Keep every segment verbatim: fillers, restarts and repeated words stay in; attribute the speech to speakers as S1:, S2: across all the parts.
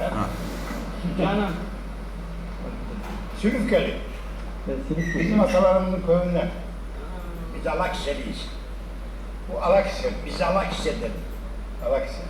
S1: Canan.
S2: Sülüfkeli.
S3: Ben Silifke.
S2: Bizim atalarımızın köyünden.
S4: Biz Alakhisar'lıyız.
S2: Bu Alakhisar.
S4: Biz Alakhisar'dan.
S2: Alakhisar.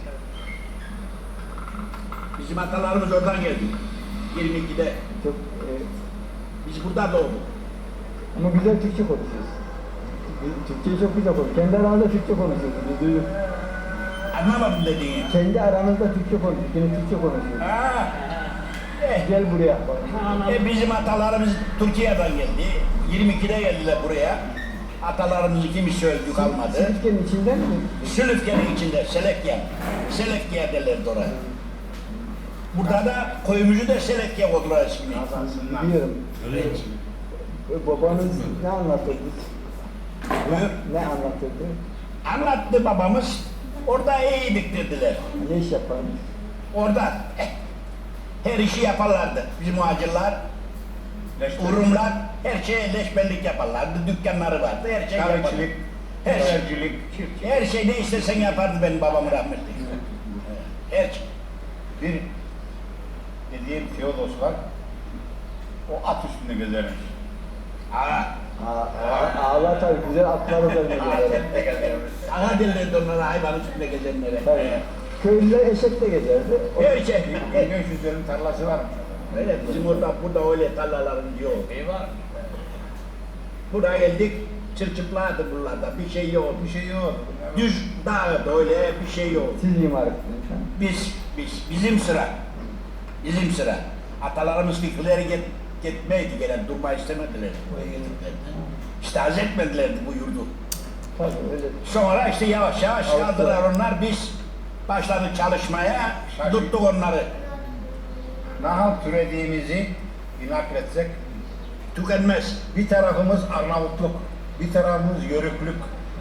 S4: Bizim atalarımız oradan geldi. yirmi ikide.
S3: Çok, e,
S4: Biz burada doğduk.
S3: ama güzel Türkçe konuşuyorsun. Biz Türkçeyi çok güzel konuşuyoruz. Kendi aranızda Türkçe konuşuyorsunuz. Biz duyduk.
S4: Anlamadım dediğini.
S3: Kendi aranızda Türkçe konuşuyorsunuz. Yine Türkçe konuşuyorsunuz.
S4: Ha. Eh,
S3: Gel buraya. Bak.
S4: e, bizim atalarımız Türkiye'den geldi. yirmi ikide geldiler buraya. Atalarımızı kimisi öldü kalmadı.
S3: Silifke'nin içinden mi?
S4: Sülüfke'nin içinde Selekya. Selekya derlerdi oraya. Burada da köyümüzü de Selekya koydular ismini.
S2: Kazansınlar.
S3: Biliyorum.
S4: Evet.
S3: E, Babanız ne anlatırdı?
S4: Buyur.
S3: Ne anlatırdı?
S4: Anlattı babamız. Orada iyiydik dediler.
S3: Ne iş yapardı?
S4: Orada eh, her işi yaparlardı. Bizim muhacirler, Urumlar her şeye leşbellik yaparlardı. Dükkanları vardı. Her şey yapardı.
S2: Kahvecilik,
S4: Her şey.
S2: habercilik, çiftçilik.
S4: Her şey ne istersen yapardı benim babam rahmetli. Her şey.
S2: Bir dediğim Teodos var. O at üstünde gezermiş.
S4: Aa,
S3: Aa, ağlar tabii güzel atlar üzerine gider.
S4: Aha derlerdi onlara hayvan üstünde gezenlere.
S3: Tabii. Köylüler eşekle gezerdi. O-
S4: Her şey.
S2: Bir beş yüzlerin tarlası varmış.
S4: Öyle bizim orada burada öyle tarlalarımız yok. Eyvah. Buraya geldik. Çırçıpladı buralarda. Bir şey yok.
S2: Bir şey yok.
S4: Düz dağ böyle bir şey yok.
S3: Siz mimar ettiniz. ha?
S4: Biz, biz, bizim sıra. Bizim sıra. Atalarımız fikirleri get, gitmeydi gelen, durma istemediler. Buraya getirdiklerdi. İşte haz etmedilerdi bu yurdu.
S3: Tabii öyle.
S4: Sonra işte yavaş yavaş
S3: Avrupa.
S4: kaldılar onlar, biz başladık çalışmaya,
S2: Şaşırdık.
S4: tuttuk onları.
S2: Nahal türediğimizi bir nakletsek,
S4: Tükenmez.
S2: bir tarafımız Arnavutluk, bir tarafımız Yörüklük.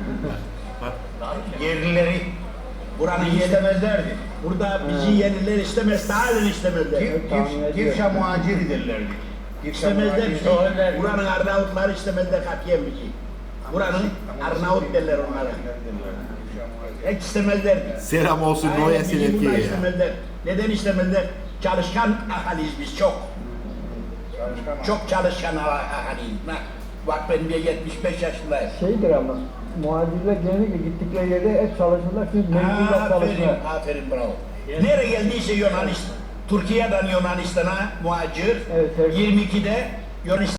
S2: Yerlileri
S4: Buranın yeri,
S2: istemezlerdi.
S4: burada bizi yerliler istemez, daha da istemezler.
S2: Gir,
S3: tahmin
S2: gir,
S3: ediyorum.
S2: Girşa muhaciri derlerdi. Girşa
S4: İstemezler
S2: muhaciri.
S4: bizi. Buranın Arnavutlar istemezler katiyen bizi. Buranın Arnavut derler onlara. Hiç istemezler.
S5: Selam olsun
S4: Aynen,
S5: Noya
S4: bizi bunlar
S5: Selefke'ye ya.
S4: istemezler. Neden istemezler? Çalışkan ahaliyiz biz çok.
S2: Çalışkan
S4: Çok çalışkan ah- ahaliyiz. Bak, bak ben bir yetmiş beş yaşındayım.
S3: Şeydir ama muhacirler genellikle gittikleri yerde hep çalışırlar çünkü mecburlar
S4: Aferin,
S3: çalışırlar.
S4: aferin bravo. Nereye geldiyse Yunanistan, Türkiye'den Yunanistan'a muhacir,
S3: Evet, evet.
S4: yirmi ikide Yunanistan